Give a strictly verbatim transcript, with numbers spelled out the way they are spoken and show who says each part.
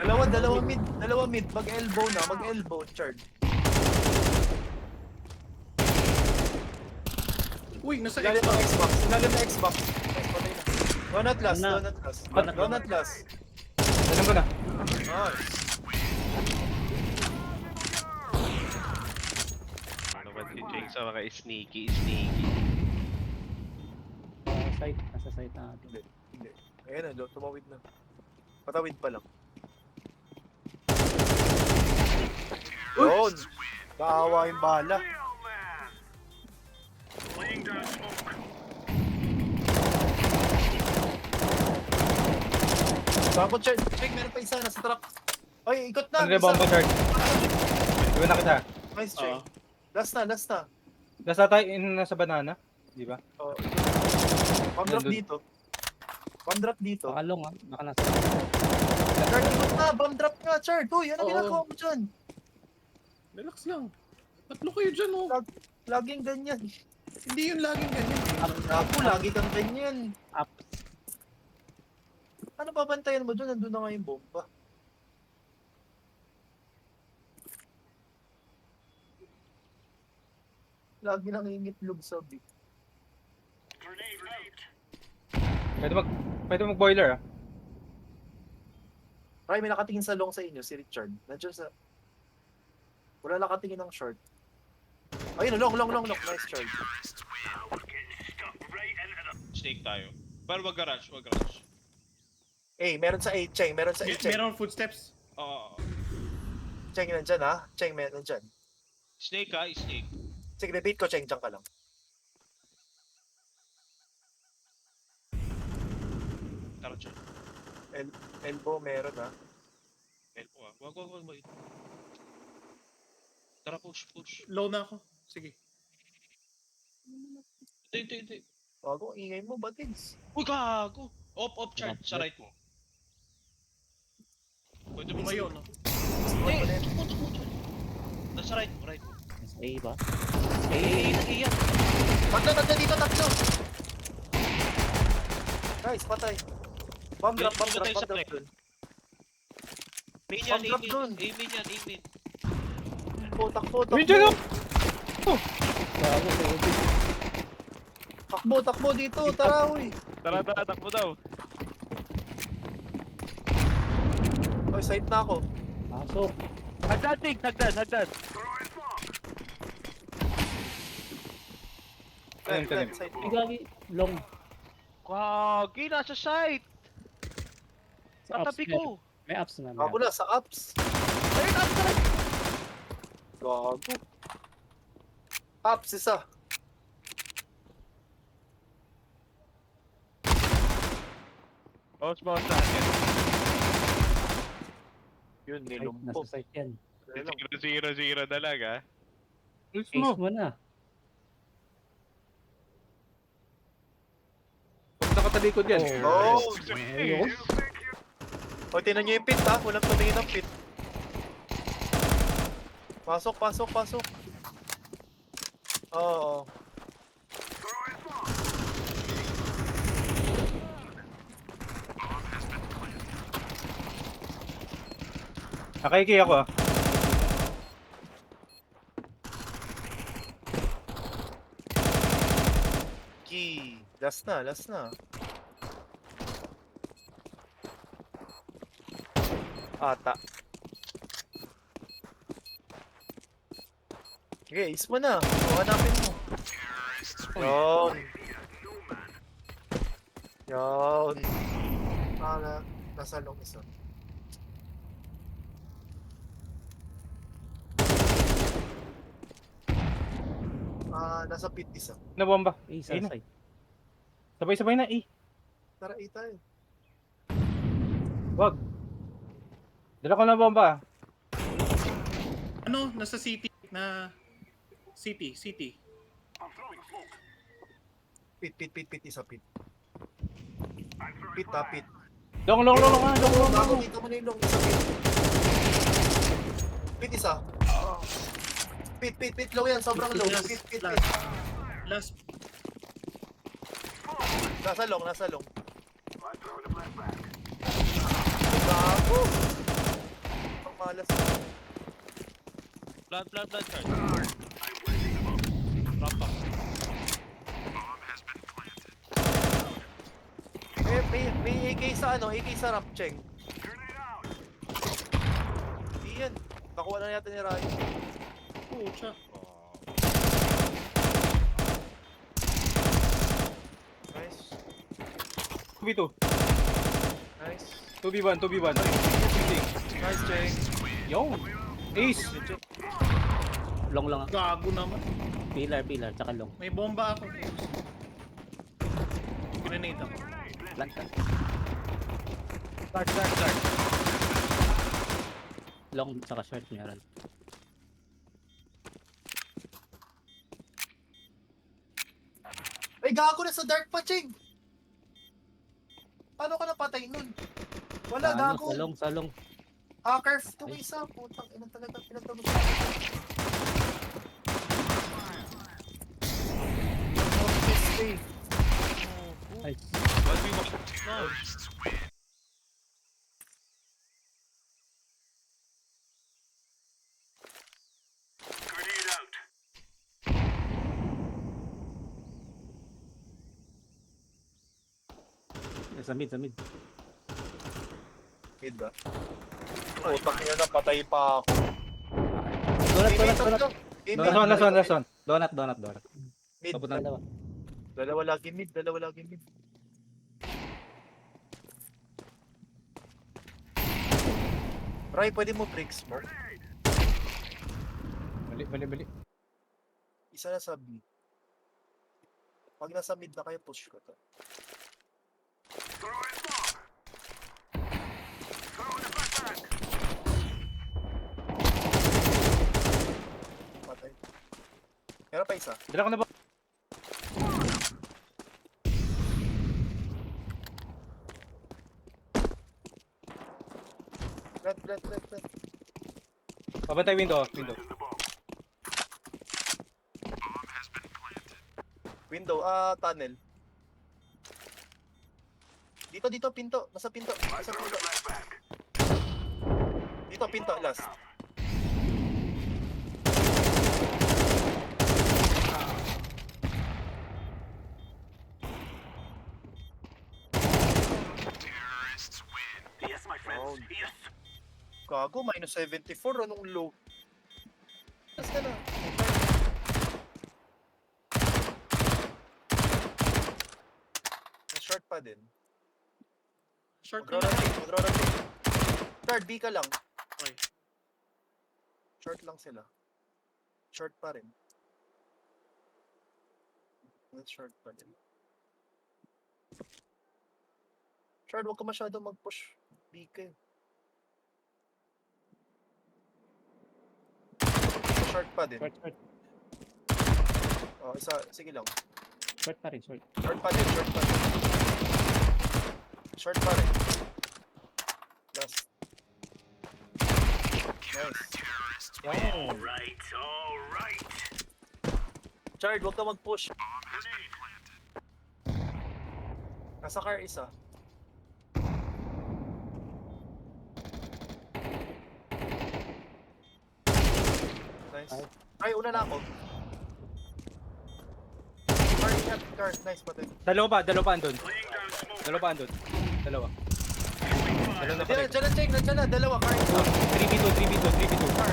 Speaker 1: Dalawa, dalawa mid, dalawa mid. Mag-elbow na, mag-elbow, Chard.
Speaker 2: Uy, nasa
Speaker 1: Ilalim
Speaker 2: Xbox.
Speaker 1: ng Xbox, ilalim ng Xbox. Yes, patay na. Donut last,
Speaker 3: Na.
Speaker 1: donut last.
Speaker 3: Donut
Speaker 1: Donut last.
Speaker 4: Alam ko na.
Speaker 1: Nice.
Speaker 5: Ano ba si Jake sa mga sneaky, sneaky?
Speaker 3: Nasa site, nasa site natin.
Speaker 1: Hindi, hindi. Ayan na, tumawid na. Patawid pa lang. Yun! Kaawa yung bala. Bakit, Chard? Check, meron pa isa, nasa truck. Ay, ikot na!
Speaker 4: Andre
Speaker 1: isa.
Speaker 4: bomba charge. Iwan na kita.
Speaker 1: Nice, check.
Speaker 2: Oo.
Speaker 1: Last na, last na.
Speaker 4: Nasa tayo, in nasa banana. Di ba?
Speaker 1: Oh. Bomb drop
Speaker 4: Nandun.
Speaker 1: dito. Bomb drop dito.
Speaker 3: Baka long ah, baka nasa
Speaker 1: Chard, ikot na! Bomb drop nga, Chard! Uy, ano
Speaker 2: Oo.
Speaker 1: ginagawa mo dyan?
Speaker 2: Relax lang. Tatlo kayo dyan, oh.
Speaker 1: Laging ganyan.
Speaker 2: Hindi yun laging ganyan.
Speaker 1: Ako, lagi kang ganyan.
Speaker 3: up.
Speaker 1: Ano babantayan mo doon? Nandun na nga yung bomba. Lagi nang ingitlog sa big.
Speaker 4: Pwede mag, pwede mag boiler ah.
Speaker 1: Ay, may nakatingin sa long sa inyo, si Richard. Nandiyan sa... Wala nakatingin ng short. Ayun, long, long, long, long. Nice, Chard.
Speaker 5: Snake tayo. Pero wag garage, wag garage.
Speaker 1: Eh, meron sa A, Cheng. Meron sa A,
Speaker 2: Mer-
Speaker 1: Cheng.
Speaker 2: Meron footsteps.
Speaker 5: Oo.
Speaker 1: Cheng, nandyan ha? Cheng, meron nandyan.
Speaker 5: Snake ha, snake.
Speaker 1: Sige, debate ko, Cheng. Diyan ka lang.
Speaker 5: Tara, Chad.
Speaker 1: El elbow, meron ha?
Speaker 5: Elpo ah. Wag, wag, wag, wag. Tara, push, push.
Speaker 2: Low na ako. Sige.
Speaker 5: Hindi, hindi, hindi.
Speaker 1: Bago, ingay mo, batigs.
Speaker 5: Uy, gago! Off, off, Chad. Sa right mo. Pwede mo
Speaker 2: Tumayo, no?
Speaker 5: Hindi, tukmo, tukmo, Chad. Nasa right mo, right mo.
Speaker 3: Nasa A ba?
Speaker 5: Eh, eh, eh, eh, yan.
Speaker 1: Tatlo, tatlo dito, tatlo! Nice, patay. Bomb drop, bomb drop,
Speaker 5: Patay
Speaker 1: bomb
Speaker 5: sa
Speaker 1: drop
Speaker 5: flex.
Speaker 1: dun.
Speaker 5: Main yan,
Speaker 1: Bomb drop
Speaker 5: aim
Speaker 1: dun.
Speaker 5: in. Aim in yan, aim in.
Speaker 1: Takbo, takbo, takbo.
Speaker 4: Medyo lang!
Speaker 3: Bago, bago.
Speaker 1: Takbo, takbo dito, tara, uy.
Speaker 5: Tara, tara, takbo daw.
Speaker 1: Oy, site na ako.
Speaker 3: Pasok.
Speaker 5: Hagdan, Tig! Hagdan, hagdan!
Speaker 4: Tanim, tanim.
Speaker 1: Site
Speaker 3: Ay,
Speaker 1: mo.
Speaker 3: gagi. Long.
Speaker 5: Kagi, nasa site!
Speaker 3: Sa ups.
Speaker 5: Katabi
Speaker 3: meron.
Speaker 5: ko!
Speaker 3: May ups na. May
Speaker 1: Ako
Speaker 3: ups.
Speaker 1: na, sa ups.
Speaker 5: Ayun, up ka rin!
Speaker 1: Gago. Ups, isa.
Speaker 5: Bounce, bounce sa akin.
Speaker 1: Yun,
Speaker 3: Ay,
Speaker 1: nilumpo.
Speaker 3: nasa site yan.
Speaker 1: Ayun lang.
Speaker 5: Zero, zero, zero talaga.
Speaker 4: Alis
Speaker 3: Ace
Speaker 4: mo.
Speaker 3: mo na.
Speaker 4: Huwag nakatalikod yan.
Speaker 1: Oh!
Speaker 3: Ayun.
Speaker 1: O, tinan nyo yung pit ha. Walang tumingin ng pit. Pasok, pasok, pasok. Oo.
Speaker 4: Nakaiki ako ah.
Speaker 1: Key. Last na, last na. Ata. Sige, is mo na. O, hanapin mo. Yun. Yun. Ah, na, nasa long isa. Ah, nasa pit isa.
Speaker 4: Nabomba.
Speaker 3: A sa
Speaker 4: Ayun na.
Speaker 3: site.
Speaker 4: Sabay-sabay na eh.
Speaker 1: Tara, A tayo.
Speaker 4: Wag. Dala ko na bomba ah.
Speaker 2: Ano? Nasa city. Na... City, city.
Speaker 1: Pit, pit, pit, pit, isa pit. Pit, ha, pit.
Speaker 4: Long, long, long, long, ah, long, long,
Speaker 1: Bago,
Speaker 4: long.
Speaker 1: dito mo na yung long, isa pit. Pit, isa. Pit, pit, pit, low yan, sobrang low.
Speaker 2: Last,
Speaker 1: Pit, pit,
Speaker 2: last.
Speaker 1: pit.
Speaker 2: Last.
Speaker 1: Nasa long, nasa long. Gago. malas.
Speaker 5: Plant, plant, plant, Chard. Ramp up.
Speaker 1: May, may, may A K sa ano, A K sa ramp, Cheng. Hindi yan. Nakuha na yata ni Ryan.
Speaker 2: Pucha.
Speaker 1: Nice.
Speaker 4: two v two.
Speaker 1: Nice.
Speaker 4: two v one, two v one.
Speaker 1: Nice, Cheng.
Speaker 4: Yo! Ace!
Speaker 3: Long lang.
Speaker 2: Gago naman.
Speaker 3: Pillar, pillar, tsaka long.
Speaker 2: May bomba ako. Grenade ako.
Speaker 3: Plant ka.
Speaker 5: Dark, dark, dark.
Speaker 3: Long, tsaka short meron.
Speaker 1: Ay, gago na sa dark pa, Cheng! Paano ka napatay nun? Wala,
Speaker 3: Sa ano,
Speaker 1: gago.
Speaker 3: Sa long, sa long.
Speaker 1: Hacker, itong isa. Putang ina talaga, pinagtagos na. Okay.
Speaker 3: Ay,
Speaker 5: one v one. Nice.
Speaker 3: sa mid, sa mid.
Speaker 1: Mid ba? Putang ina na, patay pa ako.
Speaker 3: Donut,
Speaker 1: Mid,
Speaker 3: donut,
Speaker 1: mid,
Speaker 3: donut.
Speaker 1: mid,
Speaker 4: Last one, last one, last one.
Speaker 3: Donut, donut, donut.
Speaker 1: Mid,
Speaker 4: Papunta.
Speaker 3: Dalawa.
Speaker 1: dalawa lagi mid, dalawa lagi mid. Ray, pwede mo break smoke?
Speaker 4: Bali, bali, bali.
Speaker 1: Isa na sa B. Pag nasa mid na kayo, push ko to. Patay. Meron pa isa.
Speaker 4: Dala ko na ba?
Speaker 1: Red, red, red, red.
Speaker 4: Pabantay window, window.
Speaker 1: Window, ah, tunnel. Dito, dito, pinto. Nasa pinto. Nasa pinto. Dito, pinto, last. Oh. Gago, minus seventy-four. Anong low? Last ka na. May short pa din.
Speaker 2: Short ka lang.
Speaker 1: Mag-rotate, mag-rotate. Short, B ka lang.
Speaker 2: Okay.
Speaker 1: Short lang sila. Short pa rin. Let's short pa rin. Short, huwag ka masyado mag-push. B ka eh. Short pa din.
Speaker 3: Short, short.
Speaker 1: Oh, isa, sige lang.
Speaker 3: Short pa rin, short.
Speaker 1: Short pa din, short pa din. Short pa rin. Last. Nice.
Speaker 4: Yo!
Speaker 1: Chard, huwag ka mag-push. Nasa car isa. Nice. Ay, una na ako. Car, ingat. Car, nice patay.
Speaker 4: Dalawa pa, dalawa pa andun. Dalawa pa andun. Dalawa. Dalawa na
Speaker 1: Diyan,
Speaker 4: patay.
Speaker 1: diyan na, check. Nandiyan na, dalawa. Car, isa.
Speaker 4: three v two, three v two, three v two.
Speaker 1: Car.